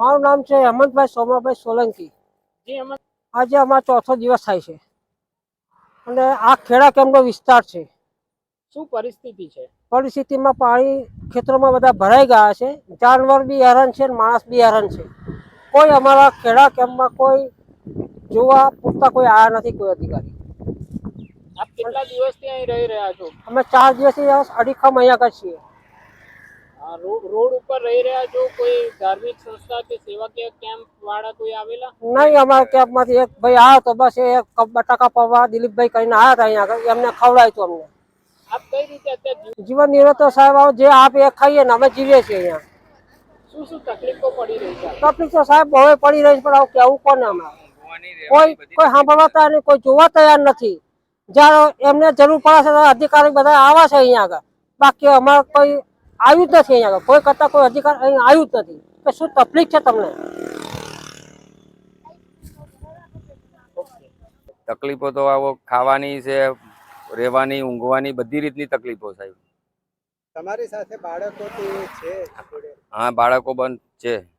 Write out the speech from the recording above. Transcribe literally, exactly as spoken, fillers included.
મારું નામ છે હેમંતભાઈ સોમાભાઈ સોલંકી। આજે અમારો ચોથો દિવસ થાય છે અને આ ખેડા કેમ્પનો વિસ્તાર છે। શું પરિસ્થિતિ છે? પરિસ્થિતિમાં પાણી ખેતરોમાં બધા ભરાઈ ગયા છે, જાનવર બી હેરાન છે, માણસ બી હેરાન છે। કોઈ અમારા ખેડા કેમ્પમાં કોઈ જોવા પૂરતા કોઈ આવ્યા નથી, કોઈ અધિકારી। આપ કેટલા દિવસથી અહીં રહી રહ્યા છો? અમે ચાર દિવસથી અડીખમ અહીંયા આગળ છીએ। રોડ ઉપર રહી રહ્યા છો? કોઈ ધાર્મિક સંસ્થા કે સેવાકીય કેમ્પ વાળા કોઈ આવેલા? નહીં, અમારા કેમ્પમાંથી એક ભાઈ આવ્યો તો, બસ એ બટાકા પૌવા દિલીપભાઈ કરીને આવ્યા હતા અહીંયા આગળ, એમને ખવડાવ્યું હતું અમને। આપ કઈ રીતે અત્યારે જીવન નિર્વાહ તો સાહેબ જે આપે એ ખાઈએ ને અમે જીવીએ છીએ અહીંયા। શું શું તકલીફો પડી રહી છે? તકલીફ તો સાહેબ બહુ પડી રહી છે, પણ આવું કેવું કોને અમારે? કોઈ કોઈ સાંભળવા તૈયાર નહીં, કોઈ જોવા તૈયાર નથી। જ્યારે એમને જરૂર પડે છે અધિકારી બધા આવે છે અહીંયા આગળ, બાકી અમારે કોઈ આવ્યું જ નથી અહીંયા આગળ। કોઈ કરતા કોઈ અધિકારી અહીં આવ્યું જ નથી કે શું તકલીફ છે તમને? તકલીફો તો આવો ખાવાની છે, રહેવાની, ઊંઘવાની, બધી રીતની તકલીફો સાહેબ। તમારી સાથે બાળકો છે? હા, બાળકો પણ છે।